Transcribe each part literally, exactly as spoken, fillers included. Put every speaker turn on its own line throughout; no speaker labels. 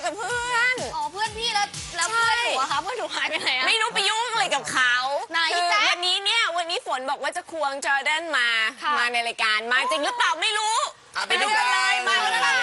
กับเพื่อน
อ๋อเพื่อนพี่แล้วแล้วเพื่อนหนูอะคะเพื่อนหนูหายไปไหนอะ
ไม่รู้ไปยุ่งอะไรกับเขาคือวันนี้เนี่ยวันนี้ฝนบอกว่าจะควงจอร์แดนมามาในรายการมาจริงหรือเปล่าไม่รู้ไปดูกันเลยมาเลย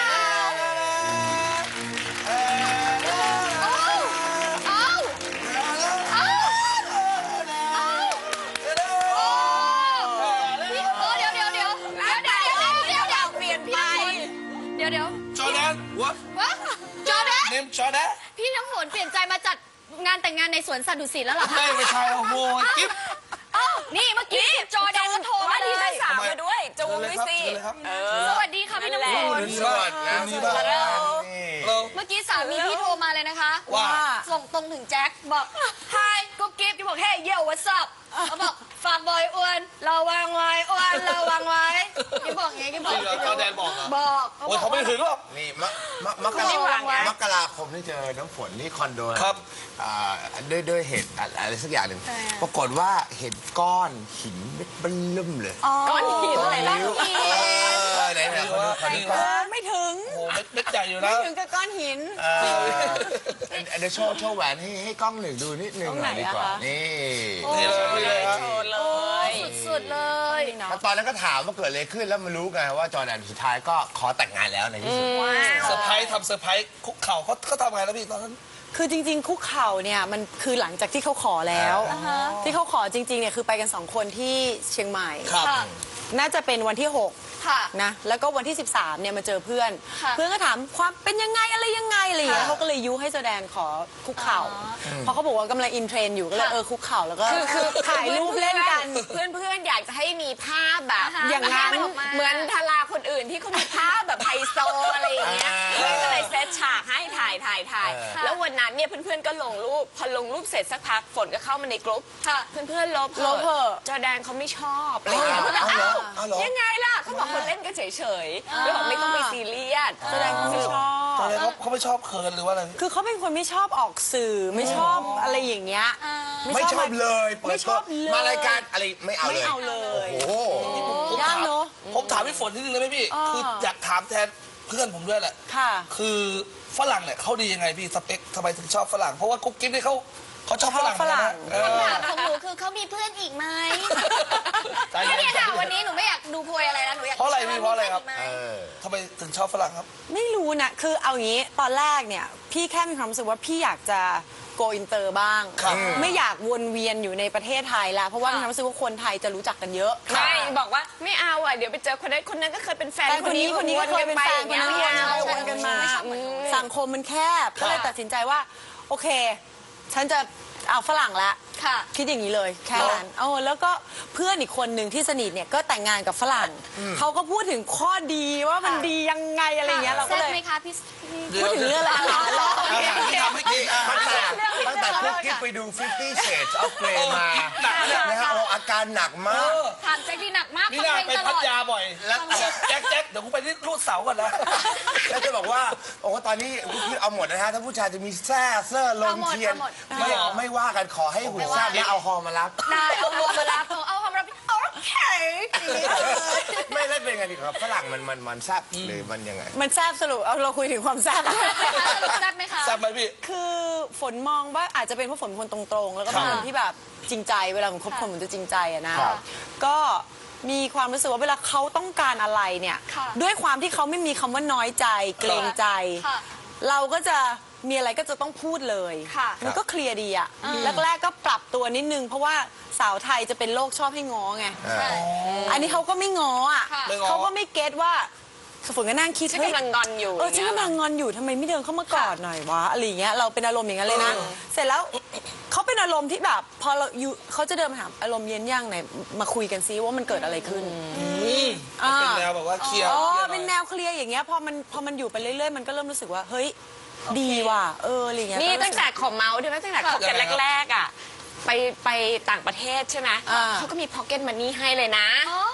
เดี๋ยว
จอร์แดน what
วะจอร์แดน
name จอร์แดน
พี่น้ำฝนเปลี่ยนใจมาจัดงานแต่งงานในสวนสัตว์ดุสิตแล้วเหรอคะ
ไม่ไม่ใช่โอ้โหกิ๊บ
อ้าวนี่เมื่อกี้จอร์แดนก็โทรมาเล
ที่
ย
ชั้นสามมาด้วยจูงด้วยสิ
สวัสดีค่ะพี่น้ำฝน
สวัสดีครับ
เมื่อกี้สามีพี่โทรมาเลยนะคะ
ว่า
ส่งตรงถึงแจ็คบอก Hi กุ๊กกิ๊บที่บอก Hey yo what's up เขาบอกฝากบอยอ้วนระวังไว้อ้วนระวังไว้กิ๊บบอกไงกิ๊บบอก
จอร์แดนบอก
บอก
โอ้ยเขาไม่ถึงหรอก
นี่มะมะมกรามกราคมที่เจอน้ำฝนที่คอนโด
ครับ
ด้วยด้วยเหตุอะไรสักอย่างหนึ่งปรากฏว่าเห็นก้อนหินเม็ดเบิ่มเลย
ก้อนหินอะไรล่ะ
ไหนไหนคนนี้
ไม่ถึง
โอ้เม็ดใหญ่อยู่นะ
ไม่ถึงกับก้อนหิน
เดี๋ยวโชว์โชว์แหวนให้ให้กล้องหนึ่งดูนิดนึงหน่อยดีกว่านี่
นี่เลยนี่เลยครับ
สุดๆเลย
ตอนนั้นก็ถามว่าเกิดอะไรขึ้นแล้วมารู้ไงว่าจอร์แดนสุดท้ายก็ขอแต่งงานแล้วในที่สุด
เซอร์ไพรส์ทำเซอร์ไพรส์คุกเข่าเขาเขาทำไงแล้วพี่ตอนนั้น
คือจริงๆคุกเข่าเนี่ยมันคือหลังจากที่เขาขอแล้วที่เขาขอจริงๆเนี่ยคือไปกันสองคนที่เชียงใหม่น่าจะเป็นวันที่หกนะแล้วก็วันที่สิบสามเนี่ยมาเจอเพื่อนเพื่อนก็ถามความเป็นยังไงอะไรยังไงอะไรอย่างเงี้ยเขาก็เลยยุให้แสดงขอคุกเข่าเพราะเขาบอกว่ากำลังอินเทรนอยู่ก็เลยเออคุกเข่าแล้วก็
คือ
ถ่ายรูปเล่นกัน
เพื่อนเพื่อนอยากจะให้มีภาพแบบ
อย่างนั้น
เหมือนทาราคนอื่นที่เขามีภาพแบบไฮโซอะไรอย่างเงี้ยก็เลยเซตฉากให้ถ่ายถ่ายถ่ายแล้ววันนั้นเนี่ยเพื่อนๆก็ลงรูปพอลงรูปเสร็จสักพักฝนก็เข้ามาในกลุ่มเพื่อนๆลบ
ลบเถอะ
จอร์แดนเขาไม่ชอบอะไรอย่างเงี้ยยังไงล่ะเขาบอกคนเล่นก็เฉยๆแล้วบอกไม่ต้องไปซีเรียส
แสดงเขาไม่ชอบ
จอร์แดนเขาไม่ชอบเคิร์นหรือว่าอะไร
คือเขาเป็นคนไม่ชอบออกสื่อไม่ชอบอะไรอย่างเงี้ย
ไม่ชอบเลย
ไม่ชอบเลย
มารายการอะไรไม่เอาเลย
ไม่เอาเลย
โอ้โห
ยากเนอะ
ผมถามพี่ฝนนิดนึงเลยไหมพี่คืออยากถามแทนเพื่อนผมด้วยแหละ
ค่ะ
คือฝรั่งเนี่ยเขาดียังไงพี่สเปคทำไมถึงชอบฝรั่งเพราะว่ากุ๊กกิ๊บเนี่ยเขาเขาชอบฝรั่ง
ฝรั่ง
คำถามของหนูคือเขามีเพื่อนอีกไหมแค่นี้ค่ะวันนี้หนูไม่อยากดูโพยอะไรแล้วหนูอยาก
เพราะอะไรพี่เพราะอะไรครับทำไมถึงชอบฝรั่งครับ
ไม่รู้นะคือเอางี้ตอนแรกเนี่ยพี่แค่มีความรู้สึกว่าพี่อยากจะโกอินเตอร์บ้างไม่อยากวนเวียนอยู่ในประเทศไทยแล้วเพราะว่ามีความรู้สึกว่าคนไทยจะรู้จักกันเยอะ
ไม่บอกว่าไม่เอาอ่ะเดี๋ยวไปเจอคนนั้นคนนั้นก็เคยเป็นแฟน
คนนี้คนนี้ก็เคยเป็นแฟนคนนั้นวนกันมาสังคมมันแคบก็เลยตัดสินใจว่าโอเคฉันจะเอาฝรั่งละคิดอย่างนี้เลยแค่นั้นเออแล้วก็เพื่อนอีกคนหนึ่งที่สนิทเนี่ยก็แต่งงานกับฝรั่งเขาก็พูดถึงข้อดีว่ามันดียังไงอะไรเงี้ยเราก็เลย
ไหมคะพี่
พูดถึงเรื่องอะไร
หรอทำให้กิน
ตั้งแต่คุกกิ๊บไปดู Fifty Shades of Grey มานะฮะอาการหนักมาก
ถามแจ็คที่หนักมาก
นี่น่าไปพัทยาบ่อยแล้วแจ็คแจ็คเดี๋ยวกูไปที่รูดเสาก่อนนะ
แล้วจะบอกว่าโอ้ตอนนี้คุกกิ๊บเอาหมดนะฮะถ้าผู้ชายจะมีแซ่เสื้อลงเทียนไม่ไม่ว่ากันขอให้หุ่นแซ่บแล้วเอาฮอมารับ
ได้เอาฮอมารับเอาฮอมารับโอเค
ไม่ได้เป็นไงดีครับฝรั่งมันมันมันแซ่บหรือมันยังไง
มันแซ่บสรุปเอาเราคุยถึงความแซ่บ
แซ่บไหมคะ
แซ่บไหมพี่
คือฝนมองว่าอาจจะเป็นเพราะฝนเป็นคนตรงๆแล้วก็เป็นคนที่แบบจริงใจเวลาผมคบคนผมจะจริงใจอะนะก็มีความรู้สึกว่าเวลาเขาต้องการอะไรเนี่ยด้วยความที่เขาไม่มีคำว่าน้อยใจเกรงใจเราก็จะมีอะไรก็จะต้องพูดเลยมันก็เคลียร์ดีอะแรกๆก็ปรับตัวนิดนึงเพราะว่าสาวไทยจะเป็นโรคชอบให้ง้อไงอันนี้เขาก็ไม่ง้ออ่ะเขาก็ไม่เก็ตว่าฝนก็นั่งคิด
ฉันกำลังงอนอยู่
เออฉันกำลังงอนอยู่ทำไมไม่เดินเข้ามากอดหน่อยวะอะไรเงี้ยเราเป็นอารมณ์อย่างนั้นเลยนะเสร็จแล้วเขาเป็นอารมณ์ที่แบบพอเราอยู่เขาจะเดินมาถามอารมณ์เย็นยังไหนมาคุยกันซิว่ามันเกิดอะไรขึ้น
เป็นแนวแบบว่าเคลียร์
อ๋อเป็นแนวเคลียร์อย่างเงี้ยพอมันพอมันอยู่ไปเรื่อยๆมันก็เริ่มรู้สึกว่าเฮ้ยดีว่ะเอออะไรเงี้ย
นี่ตั้งแต่ขอเมาส์ด้วยตั้งแต่คบกันแรกๆอ่ะไปไปต่างประเทศใช่ไหมเขาก็มีพ็อกเก็ตมันนี่ให้เลยนะ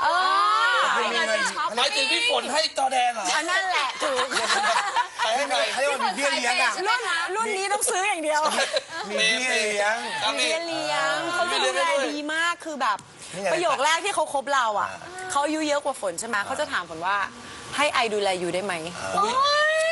หมายถึงพี่ฝนให้จอแดนเหรอ
นั่นแหละถูก
ไปให้หน่อยให้มันมีเบี้ยเลี้ยงอ่ะ
รุ่นรุ่นนี้ต้องซื้ออย่างเดียว
มีเบี้ยเลี้ยง
มีเบี้ยเลี้ยงเขาจะดูแลดีมากคือแบบประโยคแรกที่เขาคบเราอ่ะเขาอายุเยอะกว่าฝนใช่ไหมเขาจะถามฝนว่าให้ไอดูแลอยู่ได้ไหม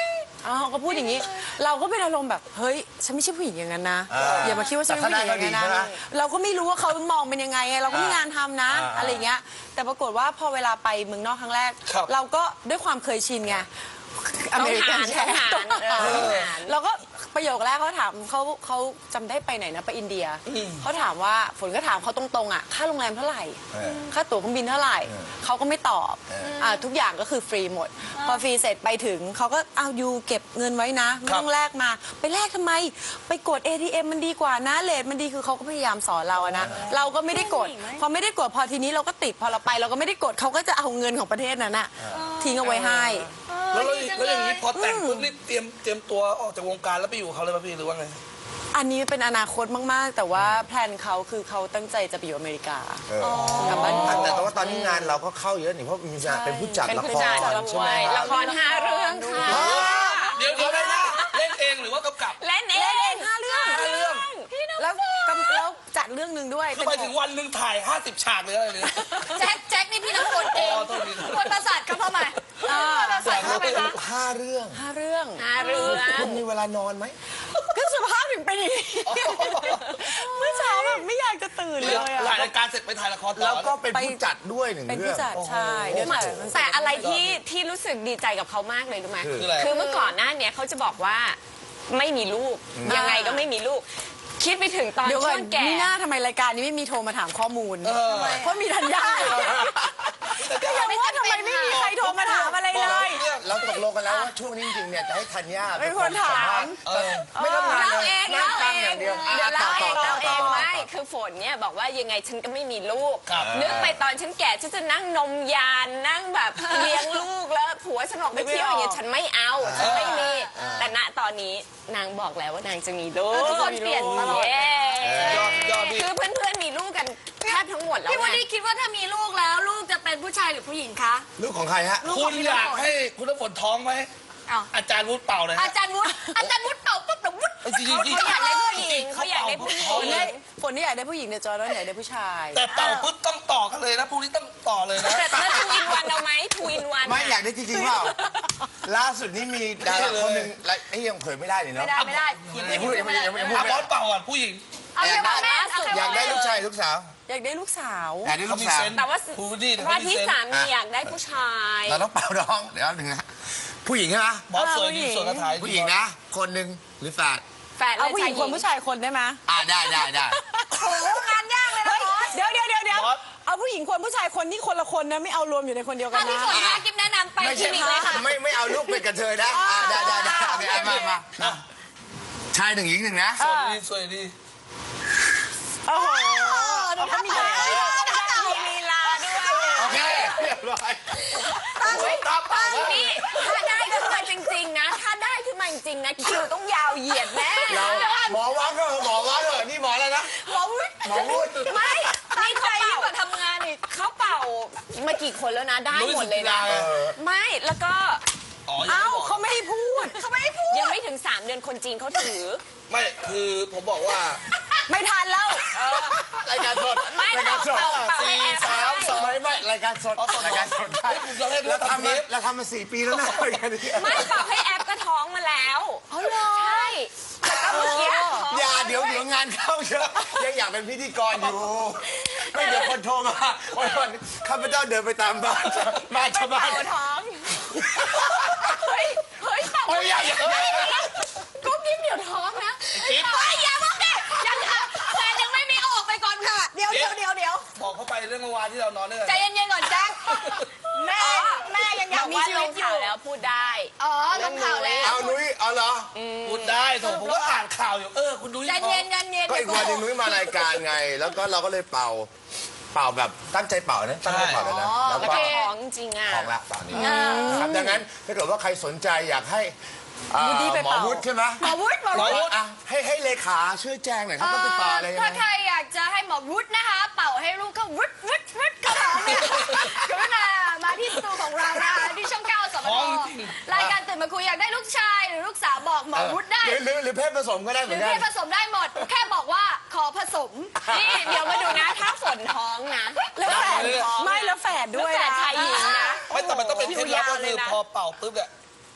อ้าวเขาก็พูดอย่างนี้ เราก็เป็นอารมณ์แบบเฮ้ยฉันไม่ใช่ผู้หญิงอย่างนั้นนะอย่ามาคิดว่าฉันเป็นผู้หญิงอย่างนั้นนะเราก็ไม่รู้ว่าเขามองเป็นยังไงไงเราก็มีงานทำนะอะไรเงี้ยแต่ปรากฏว่าพอเวลาไปเมืองนอกครั้งแรก เราก็ด้วยความเคยชินไงอเมริกันแชร์เราก็ประโยคแรกเขาถามเขาเขาจำได้ไปไหนนะไปอินเดียเขาถามว่าฝนก็ถามเขาตรงๆอ่ะค่าโรงแรมเท่าไหร่ค่าตั๋วเครื่องบินเท่าไหร่เขาก็ไม่ตอบอ่าทุกอย่างก็คือฟรีหมด พอฟรีเสร็จไปถึงเขาก็เอายูเก็บเงินไว้นะไม่ต้องแลกมาไปแลกทำไมไปกด เอ ที เอ็ม มันดีกว่านะเลทมันดีคือเขาก็พยายามสอนเราอะนะเราก็ไม่ได้กดพอไม่ได้กดพอทีนี้เราก็ติดพอเราไปเราก็ไม่ได้กดเขาก็จะเอาเงินของประเทศนั้นอะทิ้งเอาไว้ให้
แล้วแล้วแล้วอย่างนี้พอแต่งปุ๊บนี่เตรียมเตรียมตัวออกจากวงการแล้วไปอยู่กับเขาเลยป่ะพี่หรือว่าไง
อันนี้เป็นอนาคตมากๆ แต่ว่าแพลนเขาคือเขาตั้งใจจะไปอยู่อเมริกา
เออก
ลับบ้าน
แต่แต่ว่าตอนนี้งานเราก็เข้าเยอะนี่เพราะมีงานเป็นผู้จัด
เป็น
ละ
ผู้
ค
จัด
ร
ละ
ใช่ไหม
ละครห้าเรื่องค่ะ
เดี๋ยวเดี๋ยวนะเล่นเองหรือว่ากำกับ
เล่นเอ
เล่นเอง งห้าเรื่อง
ห้าเรื่อง
แล้วกำแล้วจัดเรื่องหนึ่งด้วย
คือไปถึงวันหนึ่งถ่ายห้าสิบฉากเลยอะไรเนี่ย
แจ็คแจ็คนี่พี่น้ำฝนเอง
อ๋อโทษที
คนประสาทเขาเข้ามาคนประสาทเข้าไปคะ
ห้าเรื่อง
ห้าเรื่อง
ห้าเรื่อง
คุณมีเวลานอนไหม
ก็สภาพถึงเป็นอย่างนี้เมื่อเช้าแบบไม่อยากจะตื่นเลย
ถ่าย
อะ
รายการเสร็จไปถ่ายละครต่อ
แล้วก็เป็นผู้จัดด้วยหนึ่ง
เป็น
เรื่
ผู้
อง
จัดใช่เดี๋ยวถ่าย
แต่อะไรที่ที่รู้สึกดีใจกับเขามากเลยรู้ไหม
คืออะไร
คือเมื่อก่อนหน้าเนี้ยเขาจะบอกว่าไม่มีลูกยังไงก็ไม่มีลูก คิดไปถึงตอน
เดี๋ยวก่
ช่
อ
วน งแก่
นี่หน้าทำไมรายการนี้ไม่มีโทรมาถามข้อมูลเพราะมีธัญญาก็ยังว่าทำไมไม่มีใครโทรมาถามอะไรเลย
เราตกลงกันแล้วว่าช่วงนี้จริงๆเนี่ยจะให้ธัญญา
เป็นคนถาม
เออไม่ต้องงาน
เล่า
เลย
เอง
นั่
เล่าง เอ
ฟังอง ย่างเดียว
เดี๋ยวเล่าเอง
ต่
เล่าเอ
ต่
ง
ต่
ไม่คือฝนเนี่ยบอกว่ายังไงฉันก็ไม่มีลูก
ครับ
นึกไปตอนฉันแก่ฉันจะนั่งนมยานนั่งแบบเลี้ยงลูกแล้วผัวฉันออกไปเที่ยวอย่างเงี้ยฉันไม่เอาฉันไม่มีแต่ณตอนนี้นางบอกแล้วว่านางจะมีลูก
ทุกคนเปลี่ยนตลอด
เย้
ยอดยอดพี่
คือเพื่อนๆมีลูกกันแทบทั้งหมดแล้ว
พี่วัน
ไง
นี้คิดว่าถ้ามีลูกแล้วลูกจะเป็นผู้ชายหรือผู้หญิงคะ
ลูกของใครฮะ
ลูก
คุ
ขอ
ณ
งพี่
อยาก
น้ำฝน
ให้คุณน้ำฝนท้องไหม
อ้าว
อาจารย์วุฒิเป่าเลย
อา
ฮะ
จารย์วุฒิอาจารย์วุฒิเป่าปุ๊บเดี๋ยววุฒิ
จริงๆจริง
เขาอยากได้ผู้หญิงเขาอยากได้ผู้หญิ
ฝ
ง
นได้ฝนนี่อยากได้ผู้หญิงเนี่ยจอยแล้วอยากได้ผู้ชาย
แต่เป่าปุ๊บต้องต่อกันเลยนะพรุ่งนี้ต้องต่อเลยนะ
แต่ถ้าทูอินวันเอาไหมทูอินวัน
ไม่อยากได้จริงๆเปล่าล่าสุดนี้มีดาราคนหนึ่งและไอ้ยังเผยไม่ได้เลยเนาะ
ไม่ได้ไม่ได้
ยังพูดยังไม่ยังไม่ยังพูด
อ่ะ
ไม่
บอ
ได้
สเป่าก่อนผู้หญิง
เอาแค่ว่าแม่เอาแค่
อยา
ว่าก
ได้
แม่
ลูกชายลูกสาว
อยากได้ลูกสาว
อยากได้ลู
เขา
ก
มี
สาว
เซนส์
แต่ว่า
ผู้ดีเนี่ย
ว่า
เขามี
ที่
เซน
สา
ส์
มีอยากได้ผู้ชาย
เราต้องเป่าน้องเดี๋ยวหนึ่งนะผู้หญิงใช่ไหม
บอสสวยดีสวยกระถาย
ผู้หญิงนะ คนหนึ่งหรือแฝด
แฟน
เอา
และ
ผู้หญิงคนผู้ชายคนได้ไหม
อ่าได้ได้ได้
โอ้โหงานยากเลยนะบอส
เดี๋ยวเดี๋ยวเดี๋ยวเดี๋ยวเอาผู้หญิงคนผู้ชายคนนี่คนละคนนะไม่เอารวมอยู่ในคนเดียวกั
ถ้าน พี่
นะ
ฝนให้กิ๊บแนะนำไป
ไม่
คลิ
ใช่
นิกเลยค่ะ
ไม่ไม่เอาลูกเป็นกระเทยนะอ่าได้ได้ได้โอเคมามามาชายหนึ่งหญิงหนึ่งนะ
สวยดีสวยดี
โอ้โห
เขามีอะไร
มีลีลาด้วย
โอเคเรียบร้อย
ตามเป่า
นี่ถ้าได้ขึ้นมาจริงๆนะ ถ้าได้ขึ้นมาจริงๆนะคิวต้องยาวเหยียดแน่
เราหมอวัดก็หมอวัดเหรอนี่หมออะไรนะ
หมอวุฒิ
หมอวุฒิ
ไม่นี่เขา
ยิ่
เป่าง
กว่าทำงานอีก
เขาเป่ามากี่คนแล้วนะ ได้หมดเลยนะ
เออ
ไม่แล้วก็
อ๋อยัง
เอ้า
ไม่บอก
เขาไม่ให้พูด
เขาไม่ให้พูด
ยังไม่ถึงสามเดือนคนจีนเขาถือ
ไม่คือผมบอกว่า
ไม่ทันแล้ว
รายการสด
ไม่
รายการสด
เป่าเป่าให้
สี่
แอร์
สามสอง
ไม่ไม่รายการสดรายการสดได้
เราเล่น
เรา
เรา
ทำ
ทำ
มา
เทป
เราทำมาสี่ปีแล้วนะรายการนี้
ไม่เป่าให้แอปก็ท้องมาแล้วอ๋อเหรอใช่แล้วก็เมื่อกี้ท้อง
อย่าเดี๋ยวเดี๋ยวงานเข้าเยอะยังอยากเป็นพิธีกรอยู่ ไม่เดี๋ยวคนโทรมาวันวันข้าพเจ้าเดินไปตามบ้านบ้านชาวบ้าน
เป่าท้องเฮ้ยเฮ้ยเป่า
โอ้ยอย่าอย่า
กุ๊กกิ๊บเดี๋ยวท้องนะ
กิ๊บ
เฮ้ยอย่าบอกดิยังค่ะแฟนยังไม่มีเอาออกไปก่อนค่ะ เดี๋ยวเดี๋ยวเดี๋ยวเดี๋ยว
บอกเขาไปเรื่องเมื่อวานที่เรานอนด้วยกัน
ใจเย็นๆก่อนแจ็คแม่แม่ยังอยากมีชีวิตอ
ข่า
ยู่
วแล้วพูดได้
อ๋อลงข่าวแล้ว
เอานุ้ยเอาเหรอ
พูดได้โถผมก็อ่านข่าวอยู่เออคุณดู
ใจเย็นใจเย็น
ก็อีกวันหนึงนุ้ยมารายการไง แล้วก็เราก็เลยเป่า เป่าแบบตั้งใจเป่านะตั้งใจเป่าเลยนะแล้ว
แล้ว
ก็
ก็ท้องจริงอ่ะ
ของละตอนนี้ครับดังนั้นถ้าเกิดว่าใครสนใจอยากให้อ่า
วุฒิไป
หมอ
เป่า
วุฒิใช่ไหม
หมอวุฒิหมอ
หมอ
วุฒิ
วุฒิ
อ่ะให้ให้เลขาช่วยแจ้งหน่อยครับต้องไปเป่าอะไรยัง
ถ้า
ไง
ใครอยากจะให้หมอวุฒินะคะ เป่าให้ลูกเขาวุฒิวุฒิวุฒิเขาท้องเนี่ยกรุณามาที่สตูของเรานะคะที่ช่องเก้าสมทรายการตื่นมาคุยอยากได้ลูกชายหรือลูกสาวบอกหมอวุฒิได้
หรือหรือหรือเพศผสมก็ได้เห
ห
มื
รือ อน
กั
เพ
น
ศผสมได้หมด แค่บอกว่าขอผสม
นี่เดี๋ยวมาดูนะ ถ้าฝนท้องนะ
แล้วแฝดไม่แล้วแฝดด้วย
แล้วแฝด
นะ
ชายหญิงนะ
ไม่แต่มันต้องเป็นเคล็ดลับก็คือพอเป่าปุ๊บเนี่ย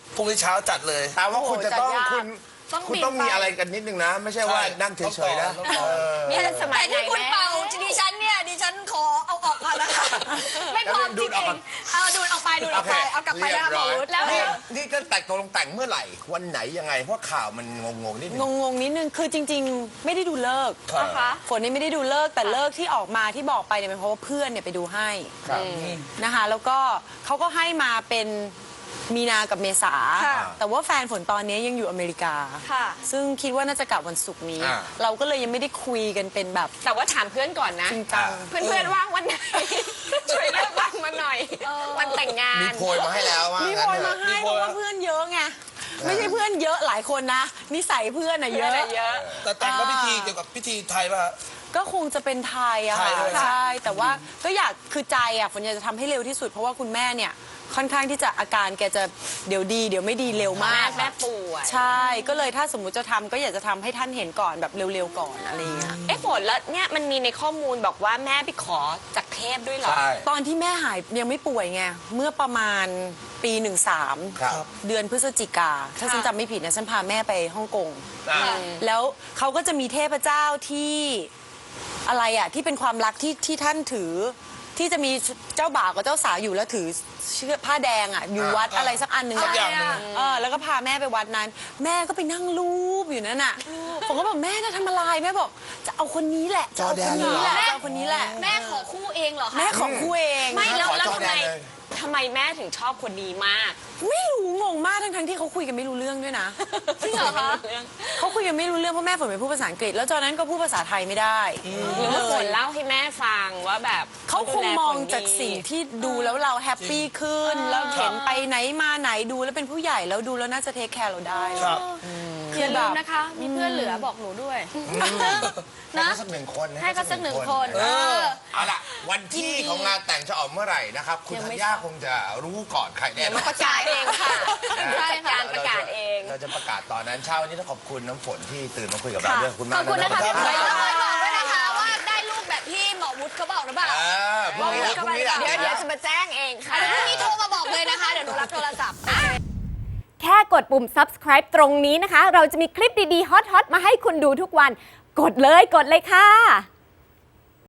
พรุ่งนี้เช้าจัดเลย
แต่ว่าคุณจะต้อง
โอ้โหจัดยาก
คุณ
ต้อง
คุณ
บิน
ต้องมี
ไป
อะไรกันนิดนึงนะ ไม่ใช่ว่า
ใช่
นั่งเฉยๆนะ
ต้องต่อ
เออ
นี่สมั
แต่
ยไหน
ที่คุณ
แม่
เป่าดิฉันเนี่ยดิฉันขอเอาออกก่อนนะคะไม่พร้อมจ
ดู
ริ
ดออกก่อน
งๆเอาดูดออกไปดูดออกไปเอากลับไป
เรีย
นะ
บร้อย
หมอวุฒิแล้ว
นี่นี่จะแต่งตกลงแต่งเมื่อไหร่ วันไหนยังไง เพราะข่าวมันงงๆนิดนึง
งงๆนิดนึงคือจริง ๆ ไม่ได้ดูเลิกษ์
ครับ
นะคะ
ฝนนี่ไม่ได้ดูเลิกษ์แต่เลิกษ์ที่ออกมาที่บอกไปเนี่ยเป็นเพราะว่าเพื่อนเนี่ยไปดูให้
ครับ
นะคะแล้วก็เขาก็ให้มาเป็นมีนากับเมษา
ค่ะ
แต่ว่าแฟนฝนตอนนี้ยังอยู่อเมริกา
ค่ะ
ซึ่งคิดว่าน่าจะกลับวันศุกร์นี้
อ่า
เราก็เลยยังไม่ได้คุยกันเป็นแบบ
แต่ว่าถามเพื่อนก่อนนะ
จริงจัง
เพื่อนๆว่างวันไหน ช่วยเลือกวันมาหน่อยวันแต่งงาน
มีโพยมาให้แล้วว่า
มี
งั้
คน น
เถ
มา
อะ
ให้
มี
เพ
คน
ราะว่าเพื่อนเยอะไงไม่ใช่เพื่อนเยอะหลายคนนะนิสัยเพื่อนอะเย
เยอะ
อะ
เยอะ
แต่แต่งก็พิธีเกี่ยวกับพิธีไทยป่ะ
ก็คงจะเป็นไทยอะ
ไท
ค่ะ
ยด้วย
ใช่แต่ว่าก็อยากคือใจอะฝนอยากจะทำให้เร็วที่สุด เพราะว่าคุณแม่เนี่ยค่อนข้างที่จะอาการแกจะเดี๋ยวดีเดี๋ยวไม่ดีเร็ว
แม่
มาก
แม่ป่วย
ใช่ก็เลยถ้าสมมุติจะทำก็อยากจะทำให้ท่านเห็นก่อนแบบเร็วๆก่อนอะไรอย่างเงี้ย
เอ๊ะฝนแล้วเนี่ยมันมีในข้อมูลบอกว่าแม่ไปขอจากเทพด้วยเหรอ
ใช่
ตอนที่แม่หายยังไม่ป่วยไงเมื่อประมาณปีหนึ่งสาม
ครับ
เดือนพฤศจิกา ถ้าฉันจำไม่ผิดนะฉันพาแม่ไปฮ่องกง
อ่า
แล้วเขาก็จะมีเทพเจ้าที่อะไรอะที่เป็นความรักที่ที่ท่านถือ ที่จะมีเจ้าบ่าวกับเจ้าสาวอยู่แล้วถือเชือกผ้าแดงอะอยู่วัดอะไรสักอันหนึ่ง
สั
อะ
กอย่างหนึ่ง
เออแล้วก็พาแม่ไปวัดนั้น แม่ก็ไปนั่งรูปอยู่นั่นน่ะผมก็บอกแม่จะทำอะไรแม่บอกจะเอาคนนี้แหละจะเอาคนนี้แหละจะเอาคนนี้แหละ
แม่ขอคู่เองเหรอคะ
แม่ของคู่เอง
ไม่แล้ว
ขอ
แล้ว
จอ
ทำ
แด
ไม
นเลย
ทำไมแม่ถึงชอบคนนี้มาก
ไม่รู้งงมากทั้งทั้งๆที่เขาคุยกันไม่รู้เรื่องด้วยนะ
จริงเหรอคะ
เขาคุยกันไม่รู้เรื่องเพราะแม่ฝนเป็นผู้ภาษาอังกฤษ แล้วตอนนั้นก็พูดภาษาไทยไม่ได้
หรือว่าฝนเล่าให้แม่ฟังว่าแบบ
เขาคงมองจาก
ดูแลฝนดี
สิ่งที่ดูแล้วเราแฮปปี้ขึ้นแล้วเห็นไปไหนมาไหนดูแล้วเป็นผู้ใหญ่แล้วดูแล้วน่าจะเทคแคร์เราได้
ครับ
อย่าลืมนะคะ มีเพื่อนเหลือบอกหนูด้วย
ให้เขาสักหนึ่งคน
ให้เขาสักหนึ่งคน
เอ
เอ
อ
อ
เอาล่ะ วันที่ของงานแต่งจะออกเมื่อไหร่นะครับ คุณ
ยัง
ธั
ไม่
ญญาคงจะรู้ก่อนใครแน่นอน
ประกาศเองค่ะ
ใช่ค่ะ
การประกาศเอง
เราจะประกาศตอนนั้นเช้าวันนี้ต้องขอบคุณน้ำฝนที่ตื่นมาคุยกับเราด้วยขอบคุณ
ข
มา
อก บคุณนะคะพี่
รั
ฝนแล้วก็บอกด้วยนะคะว่าได้ลูกแบบที่หมอวุฒิเขาบอกหรือเปล่า
เออพรุ่งนี้แหละพรุ่งนี้แหละ
เดี๋ยวเดี๋ยวจะมาแจ้งเองค่ะ
เดี๋ยวพรุ่งนี้โทรมาบอกเลยนะคะ เดี๋ยวหนูรับโทรศัพท์
แค่กดปุ่ม subscribe ตรงนี้นะคะ เราจะมีคลิปดี ๆ ฮอต ๆ มาให้คุณดูทุกวัน กดเลย กดเลยค่ะ